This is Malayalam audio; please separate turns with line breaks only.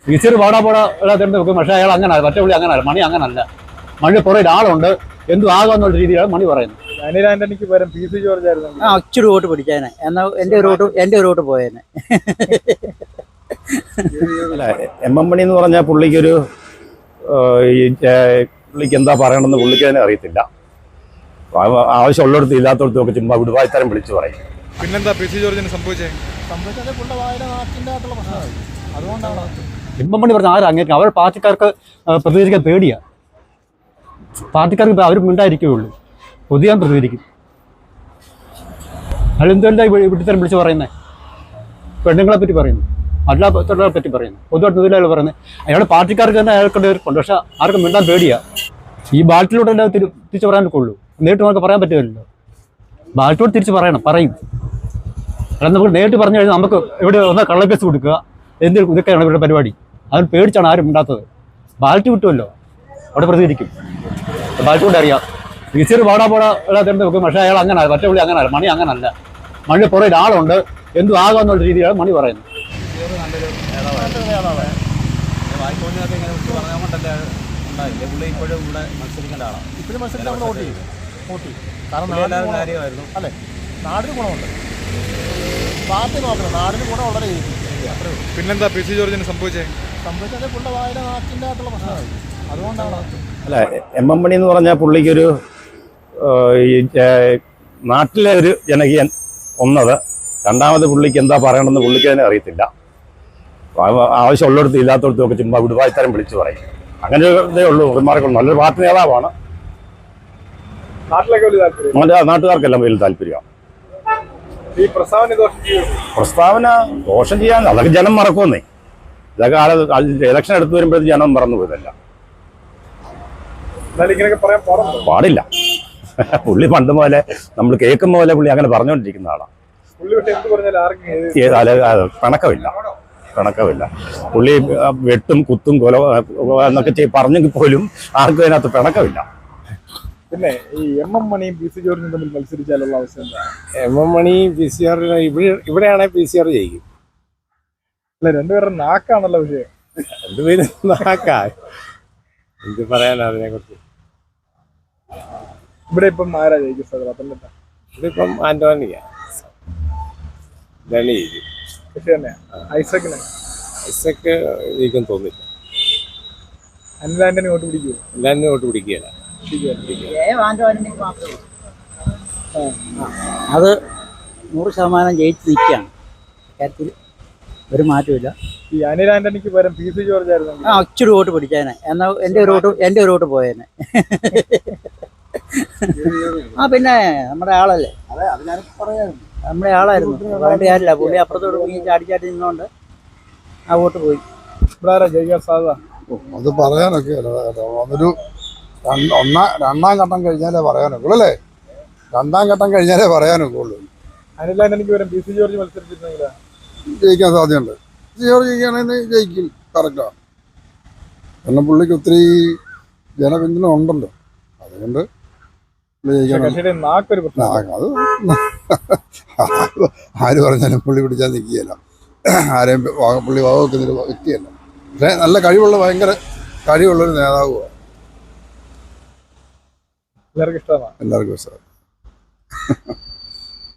ടീച്ചർ പാടാ തിരഞ്ഞെടുത്ത് വെക്കും. പക്ഷേ അയാൾ അങ്ങനെ മറ്റേ പുള്ളി അങ്ങനല്ല, മണി അങ്ങനല്ല. മണി പുറകിൽ ആളുണ്ട്, എന്തും ആകാന്നുള്ള രീതിയിലാണ് മണി പറയുന്നത്.
അനിൽ ആന്റണിക്ക് പകരം പി സി ജോർജ് ആയിരുന്നു.
ഇച്ചിരി വോട്ട് പിടിച്ചേനെ, എന്നാൽ എന്റെ ഒരു വോട്ട് പോയേനെ.
അല്ല, എം എം മണി എന്ന് പറഞ്ഞാൽ പുള്ളിക്കൊരു പുള്ളിക്ക് എന്താ പറയണമെന്ന് പുള്ളിക്ക് തന്നെ അറിയത്തില്ല. ആവശ്യമുള്ളിടത്ത് ഇല്ലാത്തടത്തും ഒക്കെ ചുമ്മാ വിടുവായ്ത്തരം വിളിച്ചു പറയും.
പിന്നെന്താ പി സി ജോർജിന് സംഭവിച്ചത്?
അതുകൊണ്ടാണ്
എം എം മണി പറഞ്ഞ ആരും അങ്ങേക്കും അവർ പാർട്ടിക്കാർക്ക് പ്രതികരിക്കാൻ പേടിയാണ്. പാർട്ടിക്കാർക്ക് അവർ മിണ്ടായിരിക്കുകയുള്ളൂ, പൊതുവാൻ പ്രതികരിക്കും. അതെന്തുകൊണ്ടാണ് വിട്ടിത്തരം വിളിച്ച് പറയുന്നത്? പെണ്ണുങ്ങളെ പറ്റി പറയുന്നു, അല്ലാത്തവരെ പറ്റി പറയുന്നു, പൊതുവായിട്ട് തൊഴിലാളികൾ പറയുന്നത്. അയാളുടെ പാർട്ടിക്കാർക്ക് തന്നെ അയാൾക്കൊണ്ട് ഉണ്ട്, പക്ഷെ ആർക്കും മിണ്ടാൻ പേടിയാണ്. ഈ ബാലറ്റിലൂടെ എല്ലാം തിരിച്ച് പറയാനൊക്കെ ഉള്ളൂ, നേരിട്ട് നമുക്ക് പറയാൻ പറ്റുമല്ലോ. ബാലറ്റിലൂടെ തിരിച്ച് പറയും. അല്ല, നമുക്ക് നേരിട്ട് പറഞ്ഞു കഴിഞ്ഞാൽ നമുക്ക് ഇവിടെ ഒന്ന് കള്ളക്കേസ് കൊടുക്കുക, ഇതൊക്കെയാണ് ഇവരുടെ പരിപാടി. അതിന് പേടിച്ചാണ് ആരും മിണ്ടാത്തത്. ബാലറ്റ് കിട്ടുമല്ലോ, അവിടെ പ്രതികരിക്കും. ബാലറ്റ് കൊണ്ട് അറിയാം. ടീച്ചർ പാടാ തിരഞ്ഞെടുത്ത് വെക്കും. പക്ഷേ അയാൾ അങ്ങനെ മറ്റേ പുള്ളി അങ്ങനല്ല, മണി അങ്ങനല്ല. മണി പുറകിൽ ആളുണ്ട്, എന്തും ആകാന്നുള്ള രീതിയിലാണ് മണി പറയുന്നത്.
നാടിന് ഗുണമുണ്ട്, പാർട്ടി നോക്കണം, നാടിന് ഗുണം വളരെ. പിന്നെന്താ പി സി ജോർജിന് സംഭവിച്ചത്? പുള്ള വായന നാട്ടിൻ്റെ ആയിട്ടുള്ള പ്രശ്നമായി, അതുകൊണ്ടാണ്.
അല്ല, എം എം മണി എന്ന് പറഞ്ഞാൽ പുള്ളിക്കൊരു നാട്ടിലെ ഒരു ജനകീയൻ ഒന്നത്. രണ്ടാമത് പുള്ളിക്ക് എന്താ പറയണമെന്ന് പുള്ളിക്ക് തന്നെ അറിയത്തില്ല. ആവശ്യമുള്ളിടത്ത് ഇല്ലാത്തടത്തും ഒക്കെ ചുമ്മാ വിടുവായ്ത്തരം വിളിച്ചു പറയും. അങ്ങനെ ഇതേ ഉള്ളൂ. പെരുമാറിക്കൊണ്ട് നല്ലൊരു പാർട്ടി നേതാവാണ്. നാട്ടുകാർക്കെല്ലാം വലിയ താല്പര്യമാണ്.
ഈ
പ്രസ്താവന ദോഷം ചെയ്യാൻ അതൊക്കെ ജനം മറക്കുമെന്നേ. ഇതൊക്കെ ഇലക്ഷൻ എടുത്തു വരുമ്പോഴത്തേക്ക് ജനം മറന്നു പോയതല്ല. പാടില്ല. പുള്ളി പണ്ട് പോലെ നമ്മൾ കേൾക്കുന്ന പോലെ പുള്ളി അങ്ങനെ പറഞ്ഞുകൊണ്ടിരിക്കുന്ന ആളാണ്. പിണക്കമില്ല. പുള്ളി വെട്ടും കുത്തും കൊല എന്നൊക്കെ പറഞ്ഞെങ്കിൽ പോലും ആർക്കും അതിനകത്ത് പിണക്കമില്ല.
പിന്നെ ഈ എം എം മണിയും പി സി ജോർജും തമ്മിൽ മത്സരിച്ചാലുള്ള അവസ്ഥ എന്താ?
M M Mani P C R ഇവിടെയാണെങ്കിൽ പി സി ആർ ജയിക്കും.
അല്ല, രണ്ടുപേരുടെ നാക്കാണല്ലോ വിഷയം.
രണ്ടുപേരും നാക്കാ, എന്ത് പറയാനാ അതിനെ കുറിച്ച്.
ഇവിടെ ഇപ്പം ആരാ ജയിക്കും? പത്തനംതിട്ട
ഇതിപ്പം ആന്റോണിയാ ജയിക്കും. ഐസക്ക് ജയിക്കും തോന്നില്ല.
അനിൽ ആന്റണി വോട്ട് പിടിക്കുമോ?
എല്ലാവരും വോട്ട് പിടിക്കുകയല്ല.
അത് 100% ജയിച്ച് നിൽക്കുകയാണ്. കാര്യത്തിൽ ഒരു മാറ്റമില്ല.
ഈ അനിൽ ആന്റണിക്ക് പകരം പി സി ജോർജ് ആയിരുന്നു.
ഇച്ചിരി വോട്ട് പിടിച്ചേനെ, എന്നാൽ എന്റെ ഒരു വോട്ട് പോയേനെ. പിന്നെ നമ്മുടെ ആളല്ലേ, നമ്മുടെ ആളായിരുന്നു. വേണ്ട കാര്യമില്ല, പുള്ളി അപ്പുറത്തോട്ട് പോയി ചാടി നിന്നോണ്ട് ആ വോട്ട് പോയി.
ഇവിടെ ജയിക്കാൻ സാധ്യത
അത് പറയാനൊക്കെ അതൊരു രണ്ടാം ഘട്ടം കഴിഞ്ഞാലേ പറയാനൊക്കെ അല്ലേ. രണ്ടാം ഘട്ടം കഴിഞ്ഞാലേ പറയാനൊക്കെ.
അനിൽ ആന്റണിക്ക് പകരം പി സി ജോർജ് മത്സരിച്ചിരുന്നെങ്കിൽ
ജയിക്കാൻ സാധ്യതയുണ്ട്. പി സി ജോർജ് ജയിക്കുകയാണെങ്കിൽ ജയിക്കും, കറക്റ്റാണ്. കാരണം പുള്ളിക്ക് ഒത്തിരി ജനപിന്തുണ ഉണ്ടല്ലോ, അതുകൊണ്ട് അത് ആര് പറഞ്ഞാലും പുള്ളി പിടിച്ചാൽ നിൽക്കുകയല്ല. ആരെയും പുള്ളി വകവെക്കുന്നൊരു വ്യക്തിയല്ല. പക്ഷേ നല്ല കഴിവുള്ള, ഭയങ്കര കഴിവുള്ളൊരു നേതാവുമാണ്.
എല്ലാവർക്കും ഇഷ്ടമാണ്.
എല്ലാവർക്കും ഇഷ്ടമാണ്.